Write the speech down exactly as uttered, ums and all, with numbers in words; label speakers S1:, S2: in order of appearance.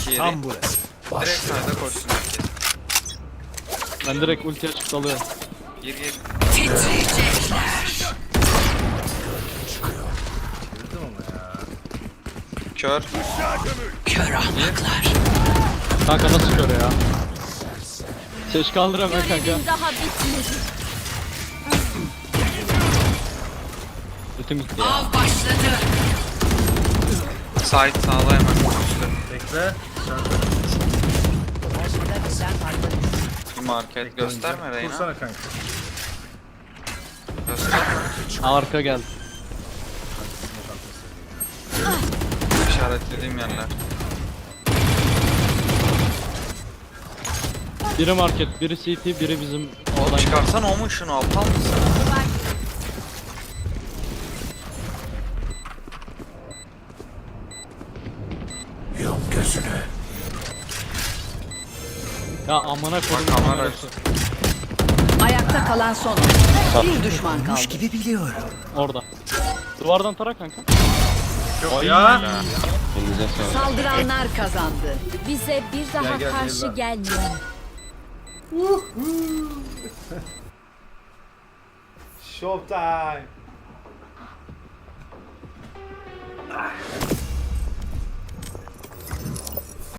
S1: iki yedi.
S2: Tam burası.
S1: Direkt sayda koşsun herkes.
S3: Ben direkt ulti açıp dalıyorum.
S1: Gir gir.
S4: Titriyecekler.
S2: Girdim ama ya.
S1: Kör.
S4: Kör ahmaklar.
S3: Kanka nasıl kör ya? Seç kaldıramıyor kanka.
S5: Görevin daha bitmedi.
S3: Ultim gitti ya.
S4: Av başladı.
S1: Sait sağda hemen. Üstte.
S2: Bekle. Şarkı.
S1: Bir market gösterme Reyna.
S2: Kursana kanka.
S1: Gösterme.
S3: Arka geldi.
S1: İşaretlediğim yerler.
S3: Biri market, biri C T, biri bizim
S1: Oğlum
S3: olan.
S1: çıkarsan o mu şunu aptal mısın?
S2: Yok gözünü.
S3: Ya amına koydum
S1: Bak, kamera
S3: kamerası.
S4: Ayakta kalan son. Bir düşman kaldı.
S2: gibi biliyorum.
S3: Orada. Duvardan tara kanka.
S2: Yok ya.
S3: Elinize sağlık.
S4: Saldıranlar kazandı.
S5: Bize bir daha
S2: Gel, gel,
S5: karşı
S2: gel.
S5: gelmeyin.
S2: Showtime.